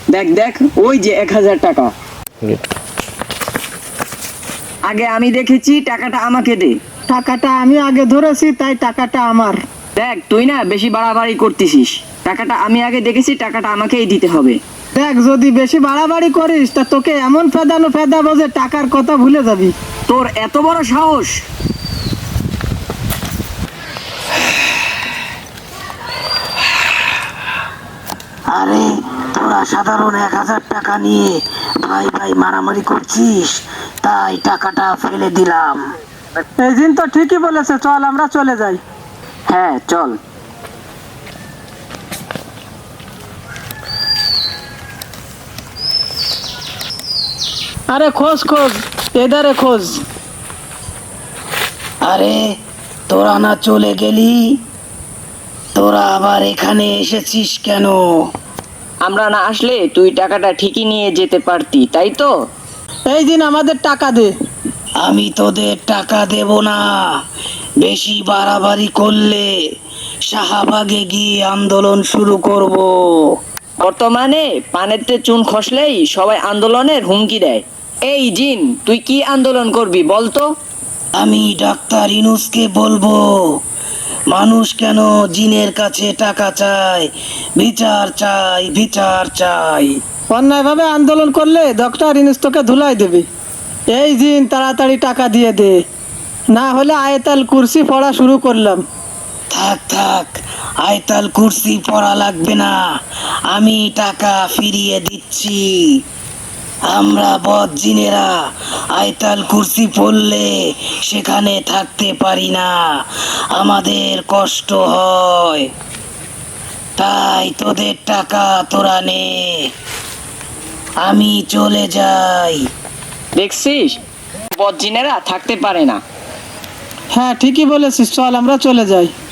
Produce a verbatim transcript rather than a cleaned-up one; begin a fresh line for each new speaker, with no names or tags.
দেখ দেখ ওই যে এক হাজার টাকা। আগে আমি দেখেছি, টাকাটা আমাকে দে।
টাকাটা আমি আগে ধরেছি, তাই টাকাটা আমার।
দেখ তুই না বেশি বাড়াবাড়ি করতেছিস। টাকাটা আমি আগে দেখেছি, টাকাটা আমাকেই দিতে হবে।
দেখ, যদি বেশি বাড়াবাড়ি করিস তা তোকে এমন ফেদানো ফেদাবো যে টাকার কথা ভুলে যাবি।
তোর এত বড় সাহস!
আরে তোরা সাধারণ এক হাজার টাকা নিয়ে ভাই ভাই মারামারি করছিস, তাই টাকাটা ফেলে দিলাম।
এই দিন তো ঠিকই বলেছে, চল আমরা চলে যাই।
হ্যাঁ চল।
আরে খোঁজ খোঁজ, এদারে খোঁজ।
আরে তোরা না চলে গেলি, তোরা আবার এখানে এসেছিস কেন?
আমরা না আসলে তুই টাকাটা ঠিকই নিয়ে যেতে পারতি, তাই তো?
এই দিন আমাদের টাকা দে।
আমি তোদের টাকা দেব না। বেশি বাড়াবাড়ি করলে শাহবাগে গিয়ে আন্দোলন শুরু করব।
বর্তমানে পানেতে চুন খসলেই সবাই আন্দোলনের হুমকি দেয়। এই জিন, তুই কি আন্দোলন করবি বলতো?
আমি ডাক্তার ইনুসকে বলবো, মানুষ কেন জিনের কাছে টাকা চায়, বিচার চাই, বিচার চাই।
অন্যায়ভাবে আন্দোলন করলে ডক্টর ইনুস তোকে ধুলাই দেবে। এই দিন তাড়াতাড়ি টাকা দিয়ে দে, না হলে আয়তাল কুরসি পড়া শুরু করলাম।
থাক থাক, আয়তাল কুরসি পড়া লাগবে না, আমি টাকা ফিরিয়ে দিচ্ছি। আমরা বদ জিনেরা আয়তাল কুরসি পড়লে সেখানে থাকতে পারি না, আমাদের কষ্ট হয়। তাই তোদের টাকা তোরা নে, আমি চলে যাই।
দেখছিস, বদজিনেরা থাকতে পারে না।
হ্যাঁ ঠিকই বলেছিস, চল আমরা চলে যাই।